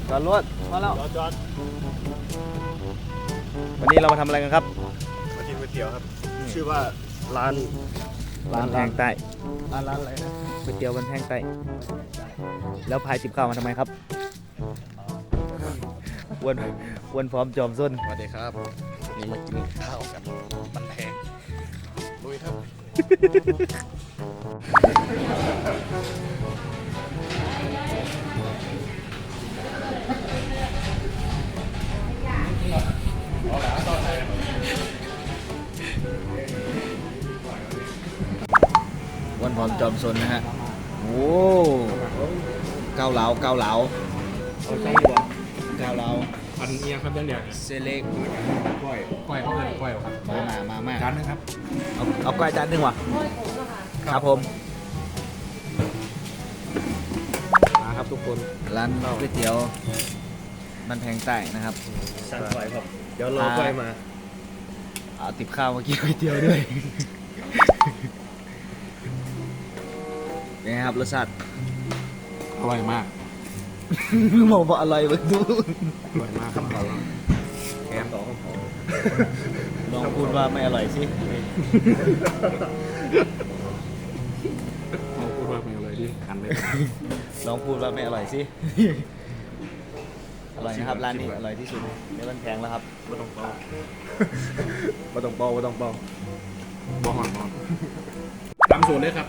จอดรถมาแล้วจอดวันนี้เรามาทำอะไรกันครับมากินก๋วยเตี๋ยวครับ ชื่อว่าร้านแพงใต้ร้านอะไรนะก๋วยเตี๋ยวบันแพงใต้แล้วพายจิบข้าวมาทำไมครับอ้วนพร้อมจอมส้นสวัสดีครับนี่มากินข้าวกันบันแพงลุยครับอ้วนพร้อมจอมส้นนะฮะโอ้เกาเหลาเอาช่องดีกว่าเกาเหลาอันเอียงครับเรื่องเซเล็กก้อยเขาเลยก้อยครับมาจานนึงครับเอาก้อยจานหนึงว่ะครับผมมาครับทุกคนร้านก๋วยเตี๋ยวบันแพงใต้นะครับสั่งก้อยครับเดี๋ยวรอก้อยมาเอาติบข้าวมากินก๋วยเตี๋ยวด้วย เป็นไงครับรสชาติอร่อยมากมองว่าอร่อยเบิ่งดูอร่อยมากครับแกมต่อของผมลองพูดว่าไม่อร่อยสิเขาพูดว่าไม่อร่อยดิกันเลยลองพูดว่าไม่อร่อยสิ อร่อยนะครับร้านนี้อร่อยที่สุดในบันแพงแล้วครับไม่ต้องเป่าไม่ต้องเป่าบอหอนตามสูตรเลยครับ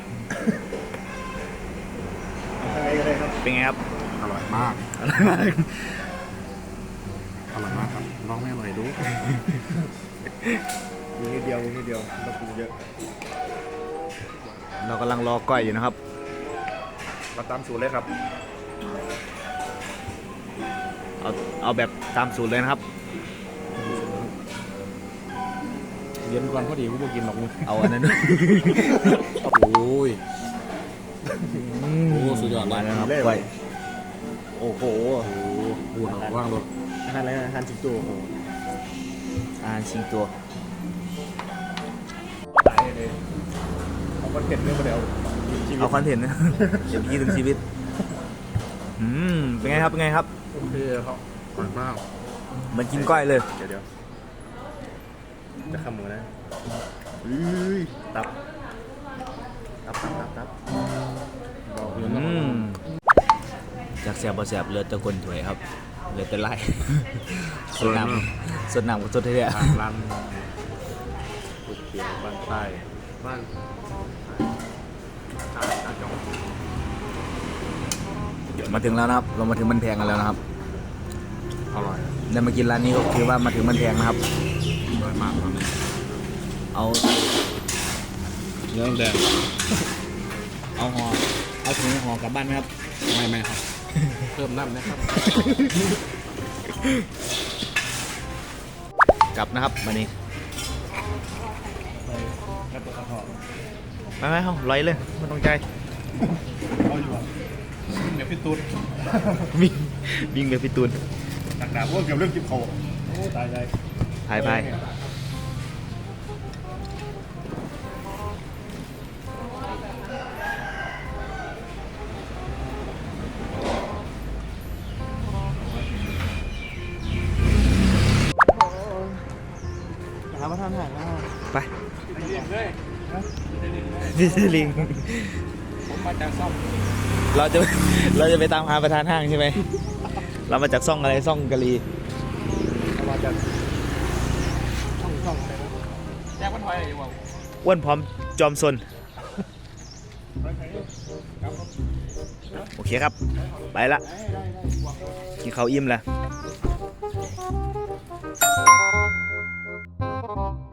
เป็นไงครับอร่อยมาก อร่อยมากครับน้องไม่อร่อยดูมีนิดเดียวต้องปรุงเยอะเรากำลังรอก้อยอยู่นะครับมาตามสูตรเลยครับเอาแบบตามสูตรเลยนะครับเย็นก่อนพอดีกูบอกกินหรอกมึงเอาอันนั้นด้วยโอ้ย โอ้สุดยอดมาแล้วครับก้อยโอ้โหโอ้พูดว่างรถอาหารอะไรนะอาหารสิงโตอาหารชิงตัวตายเลยเอาคอนเทนต์เรื่องมาเดียวชีวิตเอาคอนเทนต์นะ เดี๋ยวพี่ถึงชีวิตเป็นไงครับเป็นไงครับโอเคครับอร่อยมากเหมือนกินก้อยเลยเดี๋ยวจะขโมยนะตับบอกเยอะมากจากแสบบ่แสบเลือดตะกนถวยครับเลือดแต่ไล่ สดน้ำสดน้ำกับสดเท่ๆทางร้านก๋วยเตี๋ยวบ้านใต้บ้านจานจงมาถึงแล้วนะครับ เรามาถึงมันแพงกันแล้วนะครับอร่อยได้มากินร้านนี้ก็คือว่ามาถึงมันแพงนะครับอร่อยมากครับเอาเนื้อแดงเอาถุงห่อกลับบ้านไหมครับไม่ครับ เพิ่มน้ำนะครับกลับนะครับมานี่แล้วตัวกระเพาะไปเอาลอยเลยไม่ต้องใจเอาอยู่เดี๋ยวพี่ตูนวิ่งไปพี่ตูนตักดาบว่าเกี่ยวเรื่องจิบเขาโอ้ตายใจพายหาประทานอาหารแล้วไปเลยนี่คือลิงผมมาจากซ่อมเราจะไปตามหาประธานห้างใช่ไหม เรามาจากซ่องอะไรซ่องกะลีมาจากช่องอะไรนะแจ้งวันไว้อะไรอยู่วะอ้วนพร้อมจอมซนโอเคครับ ไปละกินข้าวอิ่มแล้ว